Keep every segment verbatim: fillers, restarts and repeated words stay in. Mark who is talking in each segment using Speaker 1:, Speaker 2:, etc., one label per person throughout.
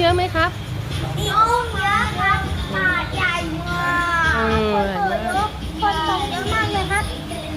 Speaker 1: อะไหมครับ
Speaker 2: มีกุ้งเยอะครับปลาใหญ่มากเออคนตกเยอะมากเลยครับ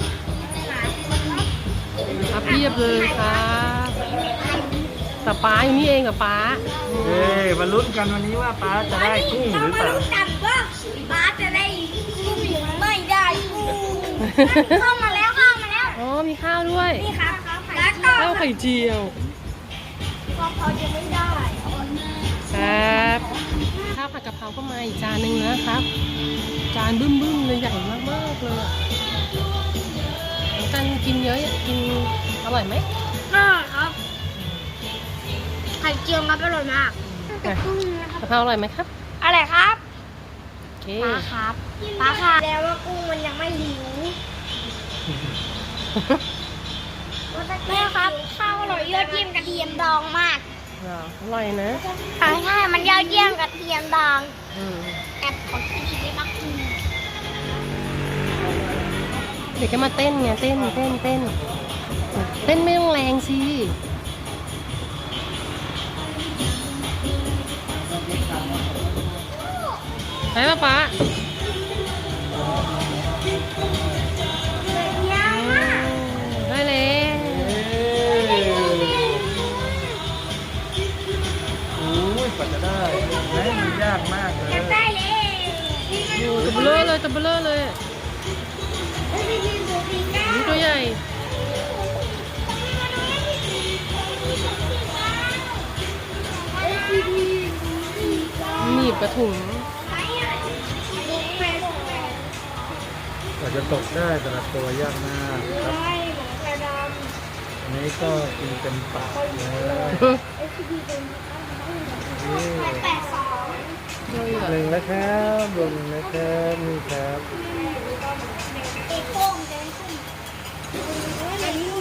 Speaker 1: ครับเพียบเลยครับแต่ป้าอยู่นี่เองกับป้า
Speaker 3: เอ้ยมาลุ้นกันวันนี้ว่าป้าจะได้กุ้งหรือเปล่า
Speaker 2: เรามาลุ้นกันว่าปลาจะได้กุ้งหรือไม่ได้กุ้งเข้ามาแล้วเข้ามาแล้ว
Speaker 1: อ๋อมีข้าวด้วย
Speaker 2: นี่ครับแล้วก็
Speaker 1: ข้าวไข่เจียว
Speaker 2: พอเขาจะไม่ได้
Speaker 1: ครับข้าวผัดกะเพราก็มาอีกจานหนึ่งนะครับ จานบึ้มๆเลยใหญ่มากๆเลยอะกันกินเยอะกินอร่อยไหม
Speaker 2: น่าครับไข่เจียวครับอร่อยมากแต่กุ้งนะครับ
Speaker 1: กะเพราอร่อยไหมครับ
Speaker 2: อะไรครับ
Speaker 1: โอเค
Speaker 2: ปลาครับปลาค่ะแล้วว่ากุ้งมันยังไม่หิวแม่ครับข้าวอร่อยยอดเยี่ยมกระเทียมดองมาก
Speaker 1: อร่อยนะ
Speaker 2: ใช่ใช่มันยอดเยี่ยมกระเทียมดอง
Speaker 1: อืม
Speaker 2: แอบขอกินอีกได้ไหม
Speaker 1: เด็กก็มาเต้นไงเต้นเต้นเต้นเต้นไม่ต้องแรงสิไปป่ะป๊า
Speaker 2: ยาวมาก
Speaker 1: ได้เลย
Speaker 3: โอ้ยกว่าจะได้ไหมมันยากมากเลย
Speaker 2: จะได้เลย
Speaker 1: โอ้ตัวเบลอเลยตัวเบลอเลยนี่ตัวใหญ่หนีบกระถุง
Speaker 3: กว่าจะตกได้แต่ละตัวยากมากครับอันนี้ก็กินเป็นปากเลยนี่
Speaker 2: แปดสอง
Speaker 3: หนึ่งแล้วครับบวกหนึ่งแล้วครับนี่ครับ
Speaker 2: เอกโป้งเดินขึ้นอันนี้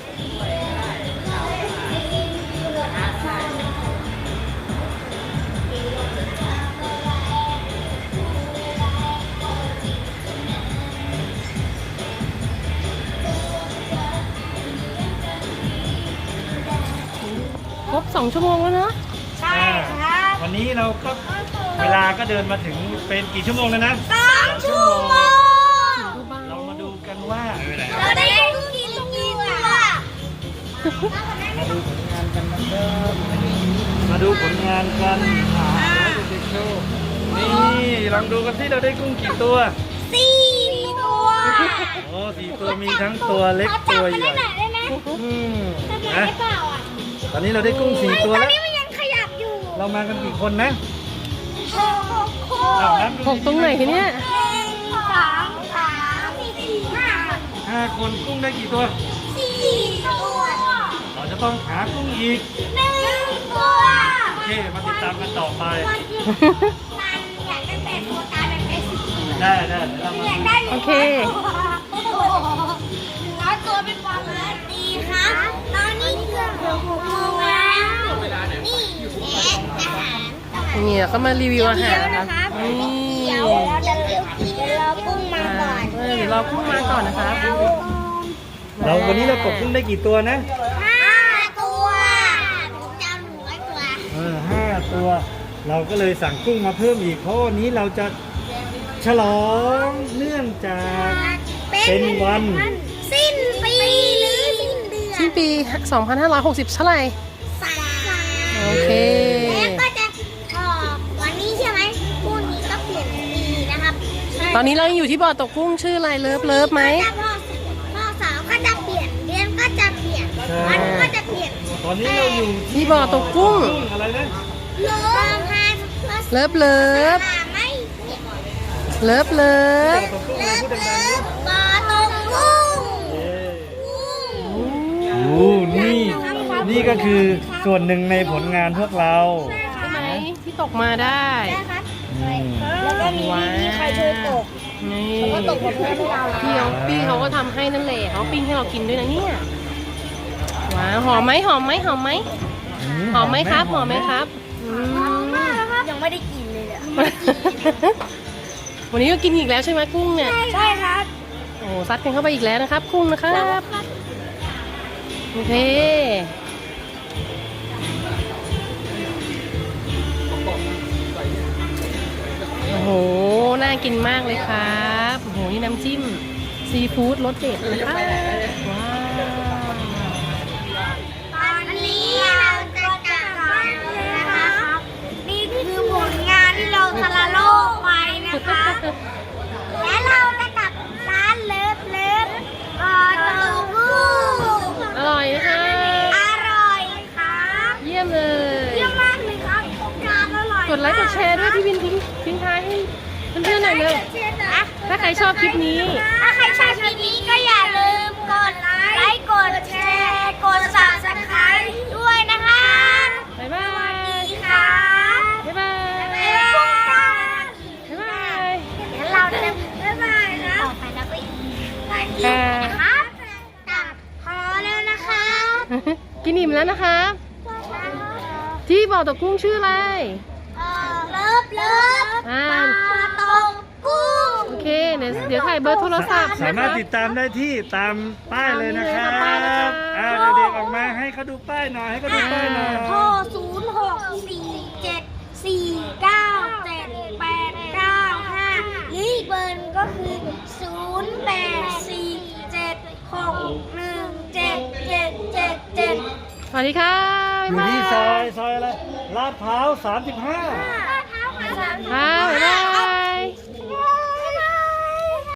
Speaker 1: ครบสองชั่วโมงแล้วเนอะ
Speaker 2: ใช่ครับ
Speaker 3: วันนี้เราก็เวลาก็เดินมาถึงเป็นกี่ชั่วโมงแล้วนะ
Speaker 2: สองชั่วโมง
Speaker 1: ดูบ้าง
Speaker 3: เรามาดูกันว่า
Speaker 2: เราได้ลูกกินลูกกินตัว
Speaker 3: มาดูผลงานกันนะครับมาดูผลงานกันอ่าเด็กๆโชว์นี่ลองดูกันที่เราได้กุ้งกี่ตัว
Speaker 2: สี่ตัว
Speaker 3: โอ้สี่ตัวมีทั้งตัวเล็ก
Speaker 2: เขาจับ
Speaker 3: ตัว
Speaker 2: มัน
Speaker 3: ให
Speaker 2: ได้
Speaker 3: ญ่
Speaker 2: ไหนได้ไหม
Speaker 3: อืม
Speaker 2: จับมัน
Speaker 3: นะ
Speaker 2: ได้เปล่าอ่ะ
Speaker 3: ตอนนี้เราได้กุ้งสี่ตัว
Speaker 2: ตอน
Speaker 3: แล้ว
Speaker 2: นี้มันยังขยับอยู่
Speaker 3: เรามากันกี่คนนะ
Speaker 2: หกค
Speaker 3: อ้าวน นับดู
Speaker 1: หกตรงไหนคะเนี่ย
Speaker 2: หนึ่งสองสามสี่ห้า
Speaker 3: ห้าคนกุ้งได้กี่ตัว
Speaker 2: สี่ตัว
Speaker 3: เราจะต้องหากุ้งอีก
Speaker 2: หนึ่งตัว
Speaker 3: โอเคมาติดตามกันต่อไป
Speaker 2: มันอยากได้แปดตัวกลายเป็นแปดสิบตัว
Speaker 3: ได้ได้เดี๋ยวเรามา
Speaker 2: อยาก
Speaker 3: ดู
Speaker 2: ได้
Speaker 1: โอเค
Speaker 2: ร้อยตัวเป็นความเลิศดีครับตอนนี้เกือบหกโมงแล้วนี่แอดอาหาร
Speaker 1: นี่เขามารีวิวอาหารนะ
Speaker 2: นะคะ
Speaker 1: นี่
Speaker 2: เดี๋ยวเราจะเลือกกินเรากุ้งมาก่อน
Speaker 1: เออเดี๋ยวเรากุ้งมาก่อนนะครับ
Speaker 3: เราวันนี้เราตกกุ้งได้กี่ตัวนะ
Speaker 2: ห้าตัวผมจะเอาหนึ่งร้อยตัว
Speaker 3: เออห้าตัว เราก็เลยสั่งกุ้งมาเพิ่มอีกเพราะวันนี้เราจะฉลองเนื่องจาก เป็นวัน
Speaker 2: สิ้นปีหรือสิ้นเดือน
Speaker 1: สิ้นปี สองพันห้าร้อยหกสิบ เท่าไหร่
Speaker 2: สาม
Speaker 1: โอเค
Speaker 2: แล้วก็จะออกวันนี้ใช่ไหมพรุ่งนี้ก็เปลี่ยนปีนะครับ
Speaker 1: ตอนนี้เรายังอยู่ที่บ่อตกกุ้งชื่ออะไรเลิฟเลิฟไหม
Speaker 2: ถ้าพ่อพ่อสาวก็จะเปลี่ยนเดือนก็จะเปลี่ยนวันก็จะเปลี่ยน
Speaker 3: ตอนนี้เราอยู่
Speaker 1: ที่บ่อตกกุ้ง
Speaker 3: อะไรนะ
Speaker 2: เลิฟฮา
Speaker 1: เลิฟเลิฟ
Speaker 2: ไม่เปลี่ยน
Speaker 1: เลิฟเลิฟ
Speaker 3: ตกกุ้ง
Speaker 2: เลิ
Speaker 3: พู
Speaker 2: ฟ
Speaker 3: ดดั
Speaker 2: เลิ
Speaker 3: ง
Speaker 2: ฟปลาตกกุ้ง
Speaker 3: ๆเย้
Speaker 2: กุ้ง
Speaker 3: โอ้นี่นี่ก็คือส่วนหนึ่งในผลงานพวกเรา
Speaker 1: ใช่ไหมที่ตกมาได้
Speaker 2: นะครับ
Speaker 3: อืม
Speaker 2: แล้วก็มี
Speaker 1: ว้าว
Speaker 2: มีใครช่วยตก
Speaker 1: นี่
Speaker 2: ก็ตกกับเพื่อนที่เรา
Speaker 1: พี่เขาพี่เขาก็ทำให้นั่นแหละเขาปิ้งให้เรากินด้วยนะเนี่ยว้าวหอมไหมหอมไหมหอมไหมหอมไหมครับหอมไหมครับอืม
Speaker 2: ยังไม่ได้กินเลยอ่ะ
Speaker 1: วันนี้ก็กินอีกแล้วใช่ไหมกุ้งเนี่ย
Speaker 2: ใช่ครับ
Speaker 1: โอ้ซัดกันเข้าไปอีกแล้วนะครับกุ้งนะครับโอเคโห น่ากินมากเลยครับโอ้โห นี่น้ำจิ้มซีฟู้ดรสเด็ดนะคะว้าว
Speaker 2: ตอนนี้เราจะกลับบ้านเลยนะคะนี่คือผลงานที่เราทะละโลกไปนะคะ และเราจะกลับร้านเลิฟเลิฟกอตูบู
Speaker 1: อร่อยนะคะ
Speaker 2: อร่อยครับ
Speaker 1: เยี่ยมเลย
Speaker 2: เยี่ยมมากเลยครับจานอร่อย
Speaker 1: กดไลค์กดแชร์ด้วยพี่วินทิ้งทิ้งท้ายให้เพื่อนๆหน่อยเลย ถ้าใครชอบคลิปนี้
Speaker 2: ถ้าใครชอบคลิปนี้ก็อย่าลืมกดไลค์กดแชร์กด ซับสไครบ์ ด้วยนะคะ
Speaker 1: บ๊ายบาย
Speaker 2: ดีค่ะ
Speaker 1: บ๊ายบาย
Speaker 2: บ๊ายบาย
Speaker 1: บ๊ายบาย
Speaker 2: เดี๋ยวเราจะบ๊ายบายนะต่อไปนะไปกินนะครับตัดพอแล้วนะครับ
Speaker 1: กินอิ่มแล้วนะครับ ที่บ่อตกกุ้งชื่ออะไร
Speaker 2: เอ่อเลิฟเลิฟ
Speaker 1: อ่า
Speaker 2: ปลาตกกุ้ง
Speaker 1: โอเคเดี๋ยวเดี๋ยวถ่ายเบอร์โทรศัพท์
Speaker 3: สามารถติดตามได้ที่ตามป้ายเลยนะครับ
Speaker 1: ตามป้ายนะคะ
Speaker 3: อ่าเด็กๆออกมาให้เขาดูป้ายหน่อยให้เขาดูป้ายหน่อย
Speaker 2: โทรศูนย์หกสี่เจ็ดสี่เก้าเจ็ดแปดเก้าห้าหรืออีกเบอร์หนึ่งก็คือศูนย์แปดสี่เจ็ดหกหนึ่งเจ็ดเจ็ดเจ็ดเจ็ด
Speaker 1: สวัสดีค่ะ
Speaker 3: อยู่ที่ซอยซอยอะไรลาดพร้าวสามสิบห้า
Speaker 1: ค่ะบ๊ายบาย